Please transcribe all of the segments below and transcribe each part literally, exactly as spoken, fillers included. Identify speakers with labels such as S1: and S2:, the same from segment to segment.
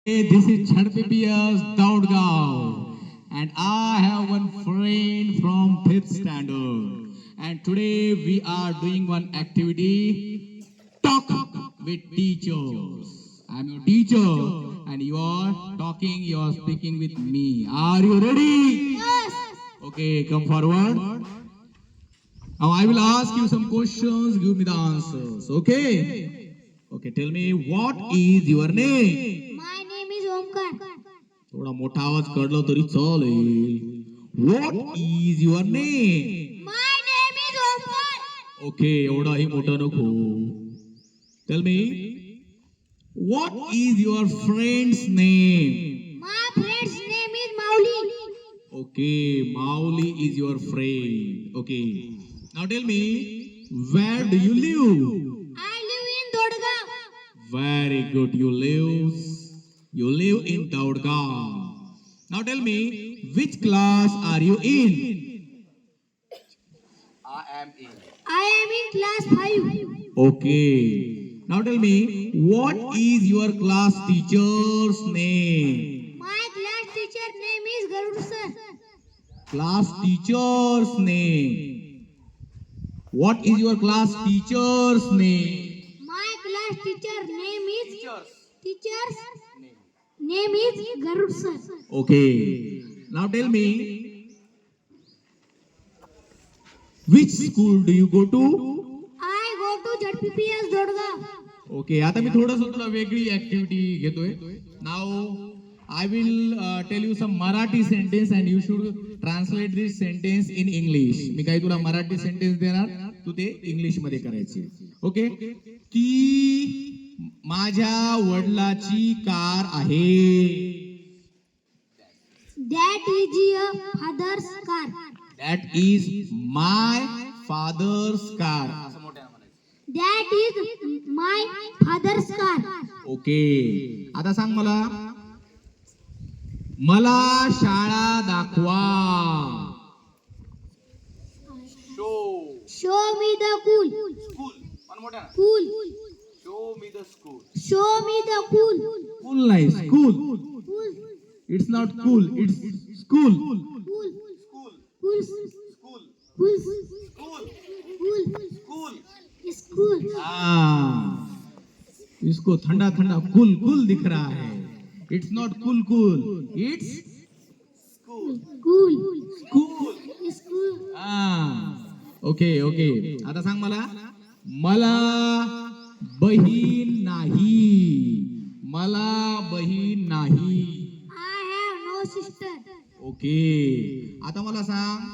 S1: This is Chhadpipiya's Daudgaon, and I have one friend from fifth standard. And today we are doing one activity, talk with teachers. I'm your teacher, and you are talking, you are speaking with me. Are you ready?
S2: Yes.
S1: Okay, come forward. Now I will ask you some questions, give me the answers. Okay? Okay, tell me what is your name?
S2: My name is Omkar.
S1: थोडा मोठा आवाज काढला तरी चालेल. What is your name?
S2: My name is Omkar.
S1: Okay, एवढाही मोठा नको. Tell me what is your friend's name?
S2: My friend's name is Mauli.
S1: Okay, Mauli is your friend. Okay. Now tell me where do you live?
S2: I live in Dodgaon.
S1: Very good. You live you live in Daudgaon. Now tell me which class are you in?
S2: I am in class five.
S1: Okay. Now tell me what is your class teacher's name?
S2: My class teacher name is Garud sir.
S1: Class teacher's name. What is your class teacher's name?
S2: My class teacher name is teacher's name is Garud sir.
S1: Okay. Now tell me which school do you go to?
S2: I go to Z P P S Dodgaon.
S1: Okay. आता मी थोडंसं तुला वेगळी activity घेतोय. Now I will uh, tell you some Marathi sentence and you should translate this sentence in English. मी काही तुला Marathi sentence देणार, तू ते इंग्लिश मध्ये करायचे. ओके? ती माझ्या वडिलाची कार आहे.
S2: That is a father's car.
S1: That is my father's car.
S2: That is my father's car.
S1: Okay. आता सांग मला मला शाळा दाखवा.
S2: Show me the cool. Cool. Show me the cool.
S1: Cool नाही, school.
S2: Cool.
S1: It's not cool, it's school.
S2: Cool. Cool. Cool. Cool. School.
S1: हाँ, इसको ठंडा ठंडा कूल कूल दिख रहा है. It's not cool cool, it's
S2: Cool.
S1: cool.
S2: School.
S1: हाँ, okay okay. आता सांग मला मला बहीण नाही. मला बहीण नाही.
S2: I have no sister.
S1: Okay. आता मला सांग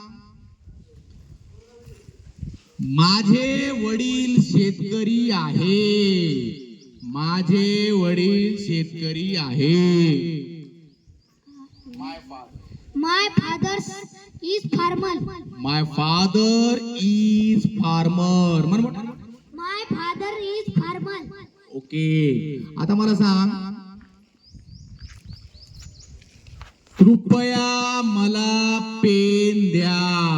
S1: माझे वडील शेतकरी आहे. माझे वडील शेतकरी आहे.
S2: My father is farmer.
S1: My father is farmer. म्हण म्हण.
S2: My father is farmer.
S1: Okay. आता मला सांग कृपया मला पेन द्या.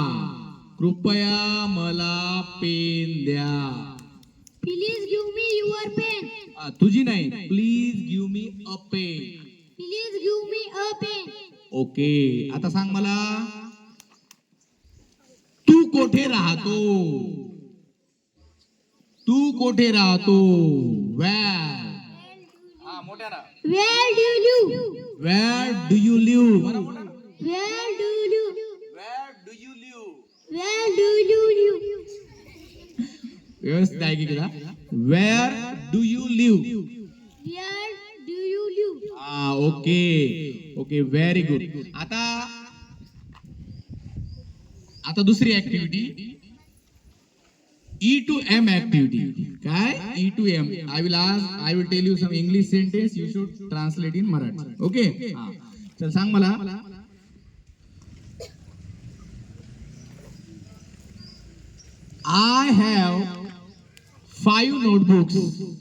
S1: कृपया मला पेन द्या.
S2: Please give me your pen.
S1: आ, तुझी नाही. Please give me a pen.
S2: Please give me a pen.
S1: Okay. आता सांग मला तू कोठे राहतो. तू कोठे राहतो. Where
S2: Where do you live?
S1: Where do you live.
S2: Where do you live? Where do you live?
S1: व्यवस्थित आहे की तुला. Where do you live.
S2: Where do you live?
S1: हा ओके ओके व्हेरी गुड. आता आता दुसरी activity E to M activity. काय E to M. I will ask I will tell you some English sentence you should translate in Marathi. Okay. चल सांग मला I have five notebooks.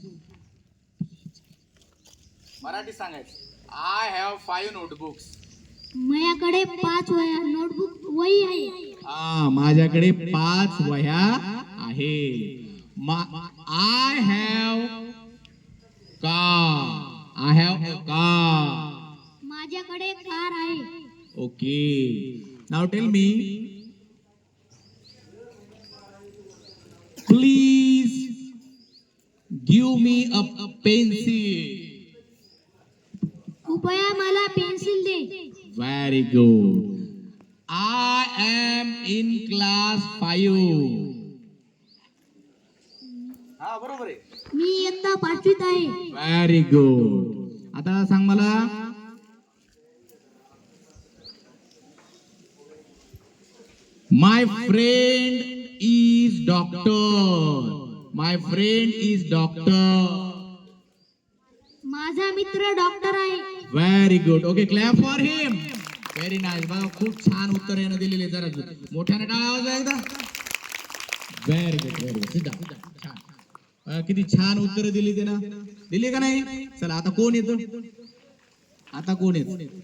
S3: Marathi सांगायचं. I have five notebooks.
S2: माझ्याकडे पाच वया notebook वही आहे.
S1: हा माझ्याकडे पाच वह्या आहे. I have car. I have a car.
S2: माझ्याकडे कार आहे.
S1: ओके, नाव tell me, please give me a pencil.
S2: कृपया मला पेन्सिल दे.
S1: Very good. I am in class five.
S3: हा बरोबर आहे.
S2: मी इयत्ता पाचवीत आहे.
S1: Very good. आता सांग मला, my friend is doctor. My friend is doctor.
S2: माझा मित्र डॉक्टर आहे.
S1: Very good. Okay, clap for him. Very nice. बघा खूप छान उत्तर यानं दिलेले. जरा मोठ्याने टाळा आवाज आहे एकदा. Very good, very good. Siddha छान. अं, किती छान उत्तर दिली ते ना, दिली का नाही. चला आता कोण येतो, आता कोण येतो.